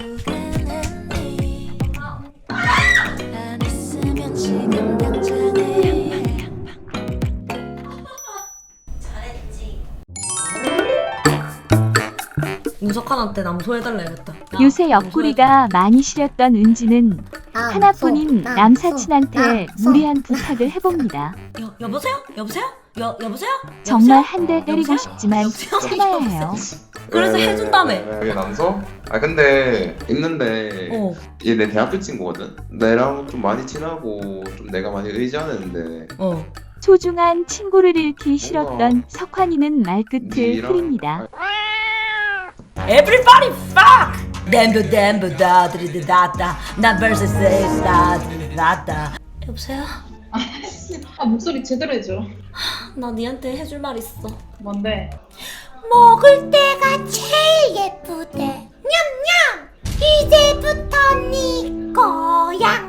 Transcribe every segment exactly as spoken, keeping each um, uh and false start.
문석환한테 남소해달라 해야겠다. 요새 옆구리가 많이 시렸던 은지는 아, 하나뿐인 소, 남사친한테 나, 소. 무리한 부탁을 해봅니다. 여, 여보세요? 여보세요? 여, 여보세요? 정말 여보세요? 한 대 때리고 여보세요? 싶지만 여보세요? 참아야 해요. 그래서 왜, 해준다며. 왜, 왜 남서? 아 근데 있는데 어. 얘 내 대학교 친구거든. 내랑 좀 많이 친하고 좀 내가 많이 의지하는데 어. 소중한 친구를 잃기 싫었던 석환이는 말끝을 니랑- 흐립니다. Everybody fuck! 댐브 댐브 다드리드다다 나 versus 다드리드다다. 여보세요? 아 목소리 제대로 해줘. 나 니한테 해줄 말 있어. 뭔데? 먹을 때가 제일 예쁘대. 냠냠. 이제부터 네 거야.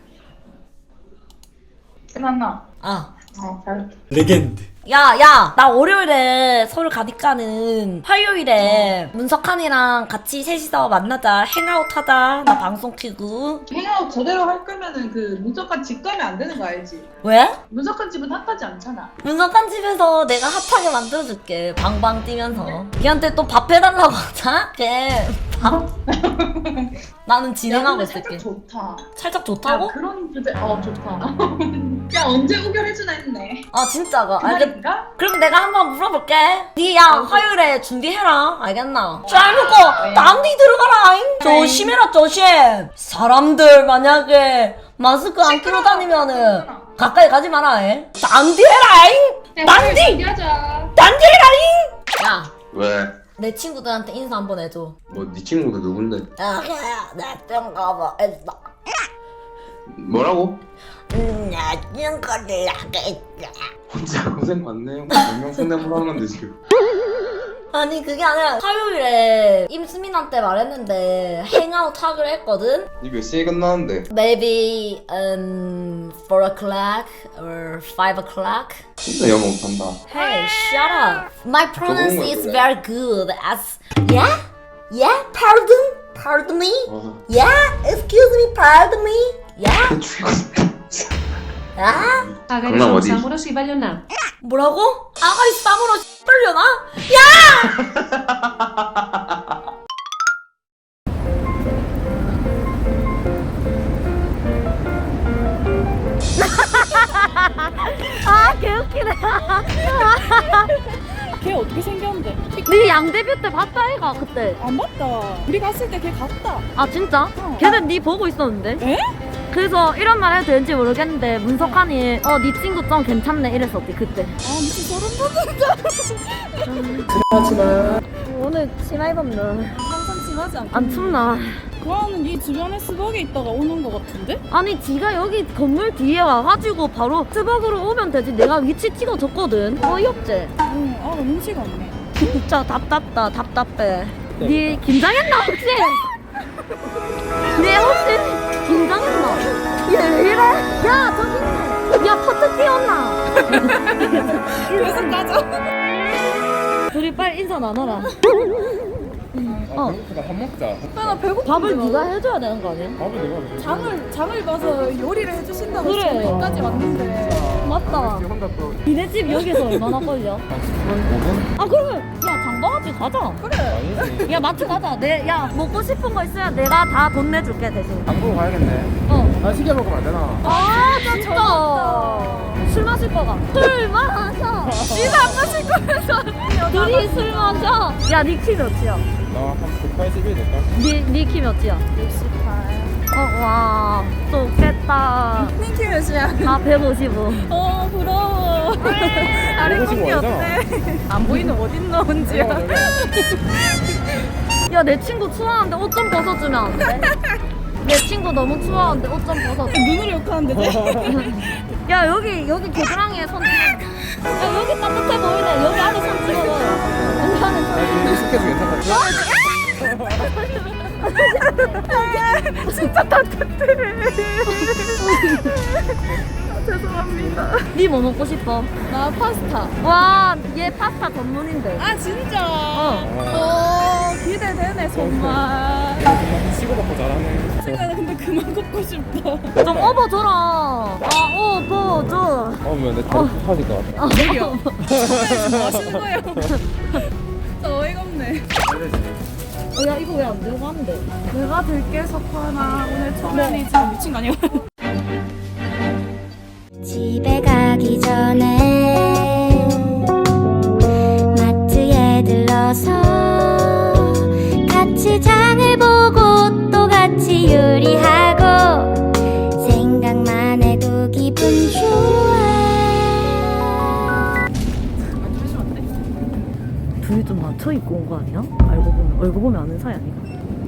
끝났나? 아. 어 잘했다. 레전드. 야, 야, 나 월요일에 서울 가니까는 화요일에 문석환이랑 같이 셋이서 만나자. 행아웃 하자. 나 방송 키고. 행아웃 제대로 할 거면은 그 문석한 집 가면 안 되는 거 알지? 왜? 문석한 집은 핫하지 않잖아. 문석환 집에서 내가 핫하게 만들어줄게. 방방 뛰면서. 걔한테 또 밥 해달라고 하자? 걔 밥? 나는 진행하고 야, 근데 있을게. 살짝 좋다. 살짝 야, 좋다고? 그런 주제 어 좋다. 야 언제 우결해주나 했네. 아, 진짜가. 그 알겠... 말인가? 그럼 내가 한번 물어볼게. 니야 화요일에 준비해라. 알겠나? 잘 먹고 네. 딴데 들어가라. 조심해라 조심. 사람들 만약에 마스크 안 끼고 다니면은 가까이 가지 마라. 딴데 해라. 딴데 준비하자. 딴데 해라. 야, 왜? 내 친구들한테 인사 한번 해줘. 뭐 네 친구도 누군데? 야, 나좀 가봐. 했어. 뭐라고? 나 친구들 하겠다. 혼자 고생 많네요. 몇명 상담을 하는데 지금. 아니 그게 아니라 화요일에 임수민한테 말했는데 행아웃 하기로 했거든? 니 몇 시에 끝나는데? Maybe um four o'clock or five o'clock. 진짜 영어 못한다. Hey, shut up. My pronounce 좋은 is 거야. very good. As yeah, yeah. Pardon, pardon me. 와. Yeah, excuse me, pardon me. Yeah, 죽었어. 아 강남 어디? 뭐라고? 아가리 쌈으로 떨려나? 아 개웃기네. 걔 어떻게 생겼는데? 네 양대뷰 때 봤다 애가 그때. 안 봤다. 우리 갔을 때 걔 갔다. 아 진짜? 어. 걔는 네 보고 있었는데. 에? 그래서 이런 말 해도 되는지 모르겠는데 문석환이 어 네 친구 좀 괜찮네 이랬었지 그때. 아 미친 소름 돋는다. 하지마. 오늘 치마 입었나? 항상 심하지 않고. 안 춥나? 그거는 이 주변에 스벅에 있다가 오는 거 같은데? 아니 지가 여기 건물 뒤에 와가지고 바로 스벅으로 오면 되지. 내가 위치 찍어줬거든. 어이없지? 응. 아 눈치가 없네. 진짜 답답다 답답해. 네 긴장했나 혹시? 네 혹시 긴장했나? 얘 왜 이래? 야 저기 있네. 야 퍼트 튀었나? 계속 가자. 둘이 빨리 인사 나눠라. 어. 배고프다. 밥 먹자. 나 배고픈데. 밥을 네가 해줘야 되는 거 아니야? 밥을 내가 왜? 장을 장을 봐서 요리를 해주신다고 그래. 해서 여기까지 왔는데. 맞다. 혼자 또 니네 집 여기서 얼마나 걸려? 십 분, 오 분? 아 그러면 야 장가같이 가자. 그래. 아니지. 야 마트 가자. 내 야 먹고 싶은 거 있으면 내가 다 돈 내줄게 대신. 장 보고 가야겠네. 어. 나 시켜 먹으면 안 되나? 아 진짜. 술 마실 거가. 술 마셔. 니가 안 마실 거면서. 둘이 술 마셔. 야니 키 몇이야? 나한 백팔십일 될까? 니니 키 몇이야? 육십팔. 어와 좋겠다. 닝키 몇이야? 아 백오십오. 어 부러워. 아래 백오십오 꺾이 아니잖아. 없대. 안 보이는 어딨나 혼지야. 야 내 친구 추워하는데 옷 좀 벗어주면 안 돼? 내 친구 너무 추워하는데 옷 좀 벗어줘. 눈으로 욕하는데 돼? 야 여기 여기 겨드랑이에 손 찍어. 야 여기 따뜻해 보이네. 여기 안에 손 찍어봐. 여기 안에 손. 근데 스케줄 괜찮다. 진짜 따뜻해. 죄송합니다. 니 뭐 먹고 싶어? 나 파스타. 와, 얘 파스타 전문인데. 아 진짜. 어. 어 기대되네 정말. 치고받고 잘하네. 나 근데 그만 걷고 싶다. 좀 업어줘라. 아, 업어줘. 어면 내 다리 부서질 것 같아. 내려. 뭐 하시는 거예요? 저 어이가 없네. 어, 야, 이거 왜 안 들고 가는데? 내가 들게 석화나 오늘 초면이 지금 미친 거 아니야? 집에 가기 전에 마트에 들러서 같이 장을 보고 또 같이 요리하고 생각만 해도 기분 좋아. 둘이 좀 맞춰 입고 온 거 아니야? 알고 보면 얼굴 보면 아는 사이 아니야?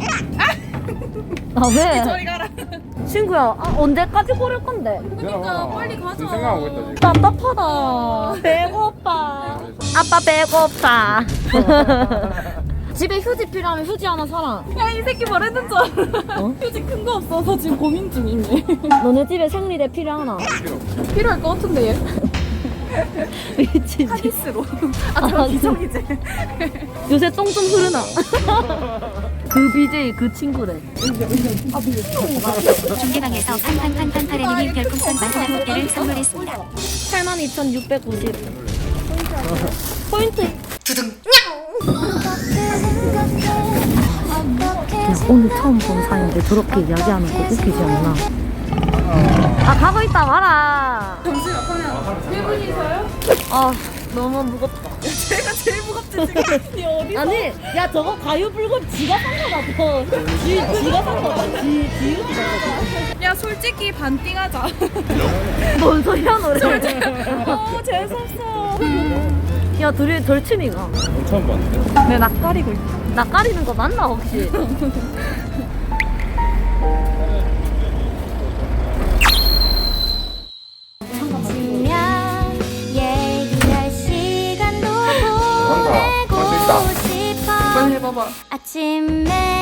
아 왜? 저리 가라. 친구야, 아, 언제까지 고를 건데? 그러니까 빨리 가자. 지금 생각하고 있다 지금. 답답하다. 배고파. 아빠 배고파. 집에 휴지 필요하면 휴지 하나 사라. 야, 이 새끼 말했는 줄 알아. 어? 휴지 큰 거 없어서 지금 고민 중이네. 너네 집에 생리대 필요하나? 필요할 것 같은데 얘. 미치지. 카디스로. 아, 아, 저 기성이지. 요새 똥 좀 흐르나? 그 비제이 그 친구래. 중계방에서 팡팡팡팡파레님이 별풍선 마지막 개를 선물했습니다. 팔만 이천육백구십. 포인트. 오늘 처음 본 사이인데 저렇게 이야기하는 거 웃기지 않나? 아, 가고 있다 와라. 잠시만, 그러면 일 분이서요? 아, 너무 무겁다. 제가 제일 무겁지 지금. 니 어디? 아니, 야, 저거 과유불급 지가 산 거다, 저. 지, 지가 산 거다. 지, 지 이렇게 산 거다. 야, 솔직히 반띵하자. 뭔 소리야, 노래. 어, 재수없어. 야, 둘이 절친이가. 처음 봤는데. 내 낯가리고 있다. 나 까리는 거 맞나, 혹시? 지면 얘기할 시간도 할수 있다. 보내고 싶어. 빨리 해봐봐. 아침에